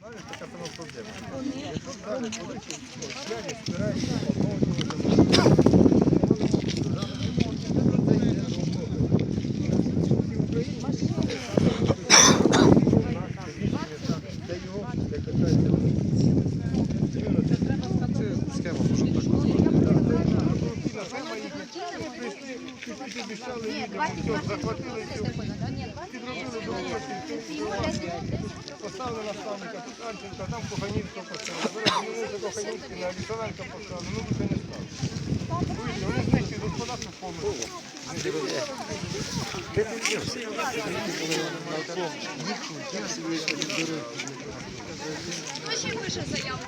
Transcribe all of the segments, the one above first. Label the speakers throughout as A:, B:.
A: Така сама проблема. Схема може так поставили наставника, тут Анченка, там Коханівського поставили. Зараз до Коханівського на Лісовенка поставили, ну вже не стали. Вони знищують господарство повністю.
B: Хто ще пише заяву?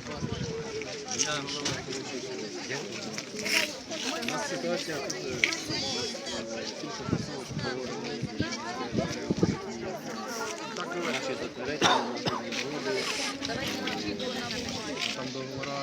A: У нас ситуація там договора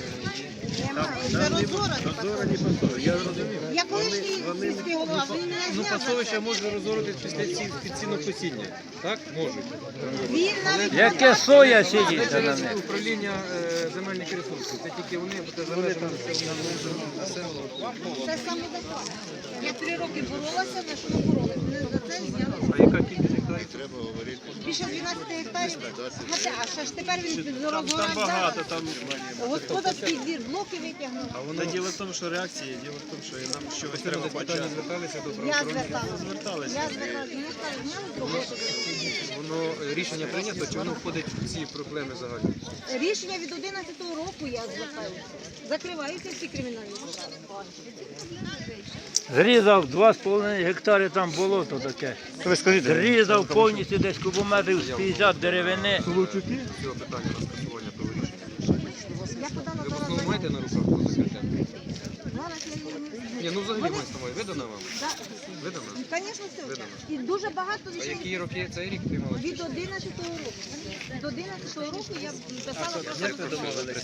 A: розорені пасовища. Я розумію.
C: Я колишній сільський голова, він мене
A: Ну,
C: зняв.
A: пасовища можна розорити під сінокосіння. Так? Можуть.
C: Він навіть
D: Яке соя сидить на них?
A: Управління земельних ресурсів. Це тільки вони, бо це залежить від населення.
C: це саме так. Я 3 роки боролася, на що боролася. Мене за це зняли.
A: А яка кількість гектарів?
C: Більше 12 гектарів. А ще ж тепер він
E: Там
C: розгорав.
E: багато, там.
C: Господарський двір, блоки витягнув.
E: Та діло в тому, що реакції, діло в тому, що нам щось треба
A: Питання
E: почати.
A: зверталися до
C: Я
A: правоохоронних.
C: зверталася. Я зверталася. Мені сказали, зняли з роботи.
A: Воно рішення прийнято, чи воно входить в ці проблеми загальні?
C: Рішення від 11-го року я звертаюся. Закриваються всі кримінальні справи.
D: Зрізав 2,5 гектари, там болото таке.
E: Ви скажіть,
D: Зрізав повністю десь кубометрів з 50 деревини.
A: Цього питання на скасування того рішення.
C: Я подала
A: Ви в
C: зараз
A: основному маєте на руках по закриття?
C: Зараз я її не
A: Ні, ну взагалі мається на увазі. Видано вам? Видано?
C: Звісно, все.
A: Видано.
C: І дуже багато
A: А
C: речей.
A: які роки цей рік приймали?
C: Від 11-го року. Від 11-го року я писала про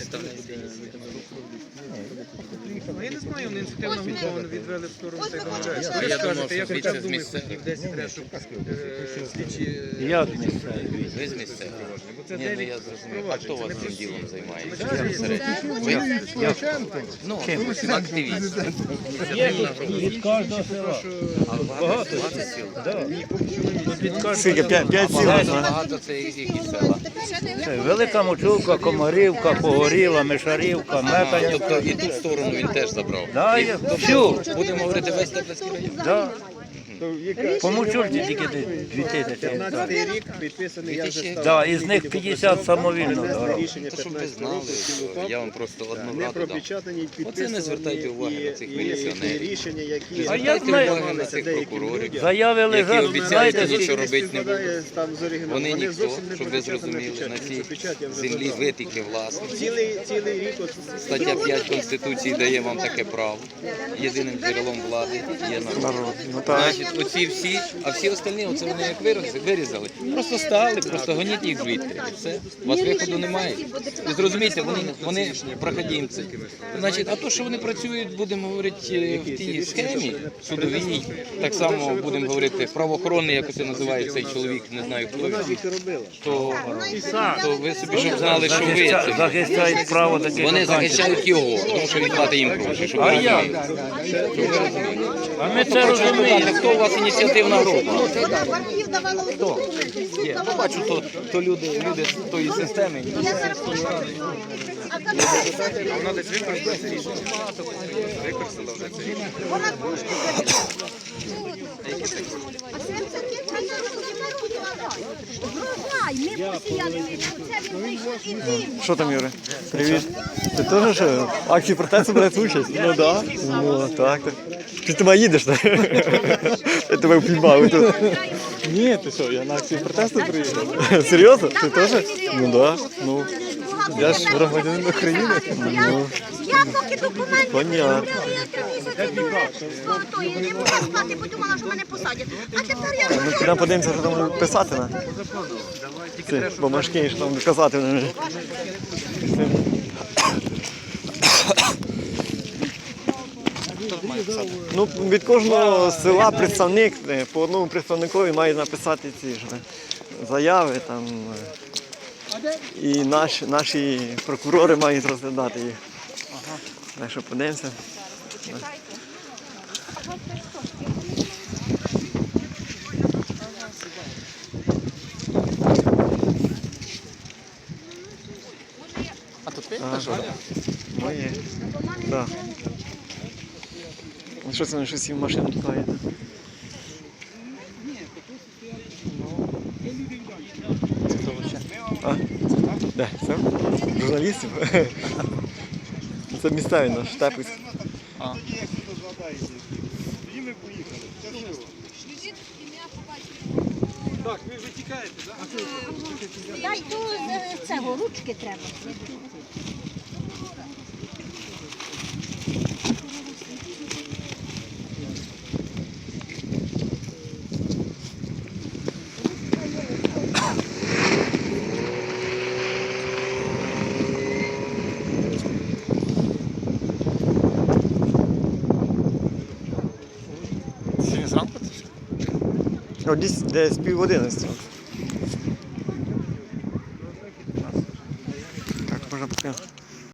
A: Ну, я не знаю, вони ініціативну групу відвели в сторону
C: Ось
A: цих
C: ми
A: домовляюсь.
C: хочемо
A: Ви
C: ще-
A: скажете, я хоча б думаю, хоч десь треба, щоб слідчі...
D: Як місцеві?
F: Ви з місцевого?
A: Бо це
F: Ні, ну
A: дев'ять
F: я зрозумів. А
A: проваджень,
F: хто
A: це
F: вас
A: не
F: цим
A: всі.
F: ділом займається?
A: Це
F: Ну, активіст.
D: Від кожного села.
F: Багато? 20 сіл?
D: Скільки? 5
F: Багато це які села.
D: Велика Мочулка, Комарівка, Погоріла, Мишарівка, Метання.
F: Тобто і ту сторону він теж забрав.
D: Да, є. Всю.
F: Будемо говорити весь Теплицький район.
D: Да. По Мочульці тільки 2000 гектарів.
E: 15-й рік підписаний, я вже став.
D: Да, із них 50 самовільно дорог.
E: Рішення
F: То, щоб ви
E: 15
F: знали,
E: року,
F: що я вам просто одну
E: не
F: раду дам.
E: пропечатані,
F: Оце не звертайте уваги на цих міліціонерів.
E: рішення, які
D: А я знаю,
F: Уваги на цих прокурорів,
D: заяви
F: які
D: лежать,
F: обіцяють
D: знаєте,
F: нічого робити не будуть.
E: співпадає там з оригіналом.
F: Вони ніхто,
E: зовсім не
F: щоб ви
E: пропечатані
F: зрозуміли, на
E: печать.
F: цій
E: Печать я вже
F: землі
E: забрав.
F: ви тільки власник.
E: Цілий рік от
F: Стаття 5 Конституції дає вам таке право. Єдиним джерелом влади є народ. Значить, оці всі, а всі остальні, оце вони як вирізали. Просто стали, просто гоніть їх звідти. І все. У вас виходу немає. І зрозумійте, вони проходимці. Значить, а то, що вони працюють, будемо говорити, в тій схемі судовій, так само будемо говорити, правоохоронний, як це називає цей чоловік, не знаю хто він, то ви собі щоб знали, що ви це.
D: захищають право таке.
F: Вони захищають його, тому що він платить їм гроші, щоб ви розуміли.
D: А ми це розуміємо.
F: Хто у вас ініціативна група?
C: Вона в архів давала у документи.
F: Є, ну, бачу, то люди з тої системи.
C: Я зараз пишу. А коли
A: Вона десь використала це рішення. Використала вже це рішення.
C: вона трошки а 75 ми посіяли, це він вийшов і він.
G: Що там, Юрій? Привіт. Ти теж що, в акції протесту береш участь? Ну так. Ну так. Ти до мене їдеш, так? Я тебе впіймав тут. Ні, ти що, я на акцію протесту приїхав. Серйозно? Ти теж? Ну так. Ну, я ж громадянин України. Ну,
C: Я поки документи
G: понятно.
C: я 3 місяці дуже я не могла спати, подумала, що мене посадять. А тепер я
G: Ми підемо подивимося, що там писати на. Ці бумажки, що там казати. Ну, від кожного села представник, по одному представникові має написати ці ж заяви, там, І наші прокурори мають розглядати їх. Так що подивимося.
D: А тут ти?
G: Моє. Так. Ну, що це вони щось в машину пхають? А? Де? Це? Журналістів? Це місцеві наш Штепець.
A: Тоді як ви згадаєте, тоді ми поїхали. Це що? Так, ви вже тікаєте, так?
B: Дай ту цього, ручки треба.
D: Сьогодні зранку?
G: О, десь 10:30. Так, можна поки.